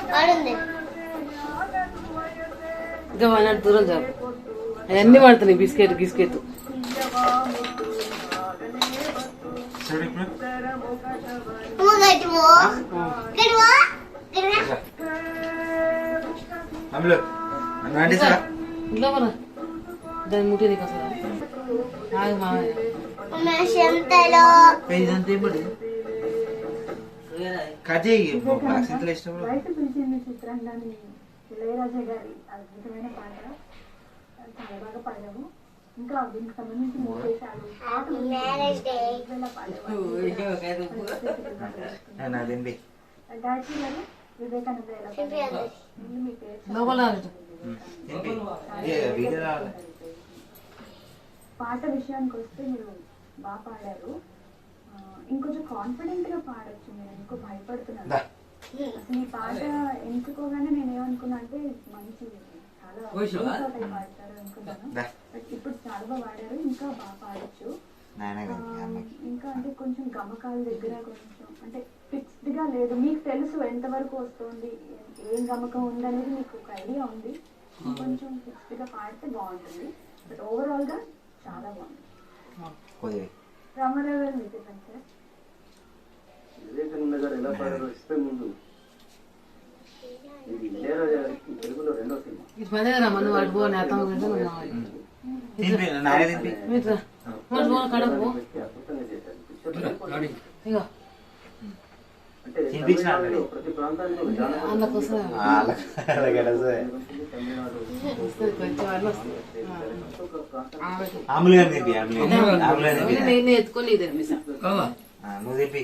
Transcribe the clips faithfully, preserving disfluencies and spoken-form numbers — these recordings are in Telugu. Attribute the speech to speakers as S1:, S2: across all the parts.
S1: ఇంకా మన దూరం చాలు అవన్నీ పడుతున్నాయి బిస్కెట్ బిస్కెట్ ఇంట్లో మన దాన్ని ముట్టి నీకు అసలు
S2: ఇళయరాజా గారి అద్భుతమైన పాట చాలా బాగా పాడాము. ఇంకా దీనికి సంబంధించి మూడు దేశాలు గాయత్రి గారు వివేకానంద పాట విషయానికి వస్తే మీరు బాగా పాడారు. ఇంకొంచెం కాన్ఫిడెంట్ గా పాడొచ్చు. మీరు ఎందుకో భయపడుతున్నారు. అసలు ఈ పాట ఎంచుకోగానే నేను ఏమనుకున్నా అంటే మంచి చాలా పాడతారు అనుకున్నాను. బట్ ఇప్పుడు చాలా బాగా పాడారు. ఇంకా బాగా పాడచ్చు. ఇంకా అంటే కొంచెం గమకాల దగ్గర కొంచెం అంటే ఫిక్స్డ్ గా లేదు. మీకు తెలుసు ఎంత వరకు వస్తుంది, ఏం గమకం ఉంది అనేది మీకు ఒక ఐడియా ఉంది. కొంచెం ఫిక్స్డ్ గా పాడితే బాగుంటుంది. బట్ ఓవరాల్ గా చాలా బాగుంది. రామారావు గారు మీకు చెప్పండి సార్.
S3: వివేకానంద గారు ఎలా పాడారో ఇస్తే ముందు ఇది ఇళయరాజా గారికి తెలుగులో రెండో సినిమా. అంటే ప్రతి ప్రాంతానికి
S1: ఎత్తుకోలేదు
S3: నువ్వు చెప్పి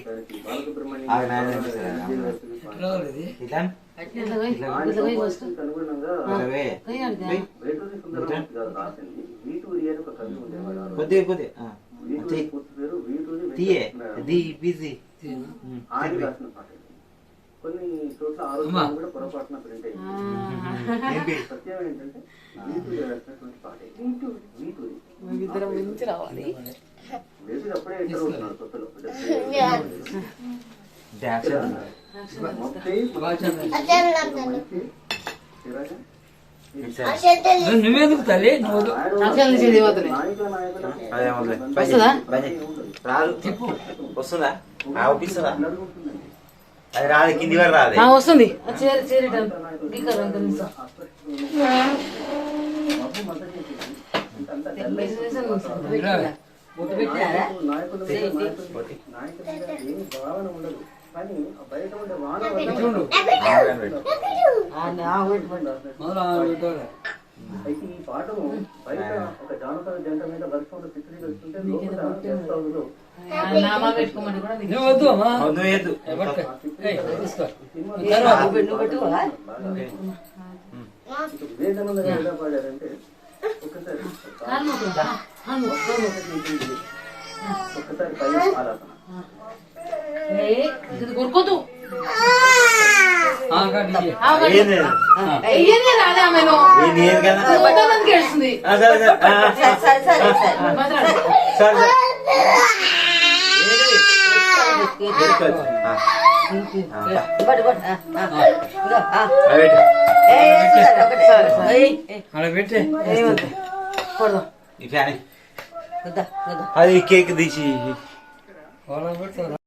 S3: కొద్దిగా కొద్దిగా కొన్ని చోట్ల ఆరోగ్యం కూడా పొరపాటున ప్రింట్ అయింది. సత్యం ఏంటంటే వీటూరి రాసినటువంటి పాట వీటూరి
S1: రావాలి.
S3: బేసిక్ అప్పుడే ఎంటర్ అవుతున్నారు కొత్తలో.
S4: నువ్వేందుకు తల్లి
S3: వస్తుందా ఒప్పిస్తుందా? అది రాదు, కింది వరకు రాదు.
S1: వస్తుంది
S3: నాయకుల ఏమి భావన ఉండదు. కానీ బయట ఉండే వాన అయితే ఈ పాటను బయట ఒక జానపద జంట మీద వర్షంలో చిత్రీకరిస్తుంటే లోపల చేస్తావులో వివేకానంద గారు ఎలా పాడారంటే ఒకసారి ఒక్కసారి పై ఆలాపన
S1: కొరుకోదు ఏడుస్తుంది.
S3: అది కేక్ తీసి